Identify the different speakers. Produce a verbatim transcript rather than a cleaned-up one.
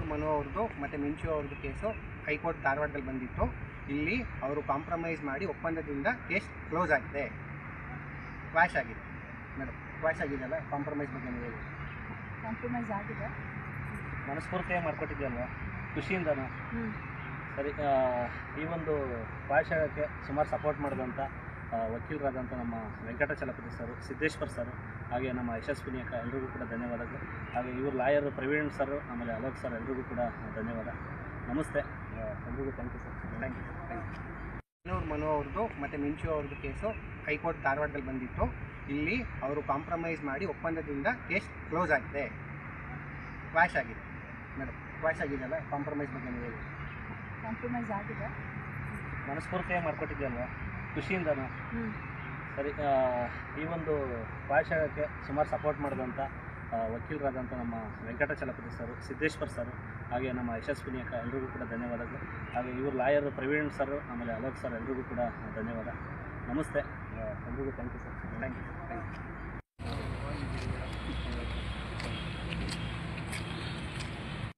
Speaker 1: ಮನು ಅವ್ರದ್ದು ಮತ್ತು ಮಿಂಚು ಅವ್ರದ್ದು ಕೇಸು ಹೈಕೋರ್ಟ್ ಧಾರವಾಡದಲ್ಲಿ ಬಂದಿತ್ತು. ಇಲ್ಲಿ ಅವರು ಕಾಂಪ್ರಮೈಸ್ ಮಾಡಿ ಒಪ್ಪಂದದಿಂದ ಕೇಸ್ ಕ್ಲೋಸ್ ಆಗಿದೆ. ಕ್ವಾಶ್ ಆಗಿದೆ ಮೇಡಮ್, ಕ್ವಾಶ್ ಆಗಿದೆಯಲ್ಲ, ಕಾಂಪ್ರಮೈಸ್ ಬಗ್ಗೆ ನೀವು ಹೇಳಿ.
Speaker 2: ಕಾಂಪ್ರಮೈಸ್ ಆಗಿದೆ,
Speaker 3: ಮನಸ್ಫೂರ್ತಿಯಾಗಿ ಮಾಡಿಕೊಟ್ಟಿದ್ಯಲ್ವ, ಖುಷಿಯಿಂದನೂ. ಸರಿ, ಈ ಒಂದು ಕ್ವಾಶ್ ಆಗೋಕ್ಕೆ ಸುಮಾರು ಸಪೋರ್ಟ್ ಮಾಡಿದಂಥ ವಕೀಲರಾದಂಥ ನಮ್ಮ ವೆಂಕಟಾಚಲಪತಿ ಸರ್, ಸಿದ್ದೇಶ್ವರ್ ಸರ್, ಹಾಗೆ ನಮ್ಮ ಯಶಸ್ವಿನಿ ಅಕ್ಕ, ಎಲ್ರಿಗೂ ಕೂಡ ಧನ್ಯವಾದಗಳು. ಹಾಗೆ ಇವರು ಲಾಯರ್ ಪ್ರವೀಣ್ ಸರ್, ಆಮೇಲೆ ಅಲೋಕ್ ಸರ್, ಎಲ್ರಿಗೂ ಕೂಡ ಧನ್ಯವಾದ. ನಮಸ್ತೆ, ಎಲ್ರಿಗೂ thank you sir.
Speaker 1: Thank you thank you Manu ಅವ್ರದ್ದು ಮತ್ತು ಮಿಂಚು ಅವ್ರದ್ದು ಕೇಸು ಹೈಕೋರ್ಟ್ ಧಾರವಾಡದಲ್ಲಿ ಬಂದಿತ್ತು. ಇಲ್ಲಿ ಅವರು ಕಾಂಪ್ರಮೈಸ್ ಮಾಡಿ ಒಪ್ಪಂದದಿಂದ ಕೇಸ್ ಕ್ಲೋಸ್ ಆಗಿದೆ. ಕ್ವಾಶ್ ಆಗಿದೆ ಮೇಡಮ್, ಕ್ವಾಶ್ ಆಗಿದೆಯಲ್ಲ, ಕಾಂಪ್ರಮೈಸ್ ಬಗ್ಗೆ ನೀವು ಹೇಳಿ.
Speaker 2: ಕಾಂಪ್ರಮೈಸ್ ಆಗಿದೆ,
Speaker 3: ಮನಸ್ಫೂರ್ತಿಯಾಗಿ ಮಾಡಿಕೊಟ್ಟಿದ್ಯಲ್ವ, ಖುಷಿಯಿಂದನೂ. ಸರಿ, ಈ ಒಂದು ಕ್ವಾಶ್ ಆಗೋಕ್ಕೆ ಸುಮಾರು ಸಪೋರ್ಟ್ ಮಾಡಿದಂಥ ವಕೀಲರಾದಂಥ ನಮ್ಮ ವೆಂಕಟಾಚಲಪತಿ ಸರ್, ಸಿದ್ದೇಶ್ವರ್ ಸರ್, ಹಾಗೆ ನಮ್ಮ ಯಶಸ್ವಿನಿ ಅಕ್ಕ, ಎಲ್ರಿಗೂ ಕೂಡ ಧನ್ಯವಾದಗಳು. ಹಾಗೆ ಇವರು ಲಾಯರ್ ಪ್ರವೀಣ್ ಸರ್, ಆಮೇಲೆ ಅಲೋಕ್ ಸರ್, ಎಲ್ರಿಗೂ ಕೂಡ ಧನ್ಯವಾದ. ನಮಸ್ತೆ, ಎಲ್ರಿಗೂ thank you sir.
Speaker 1: Thank you thank you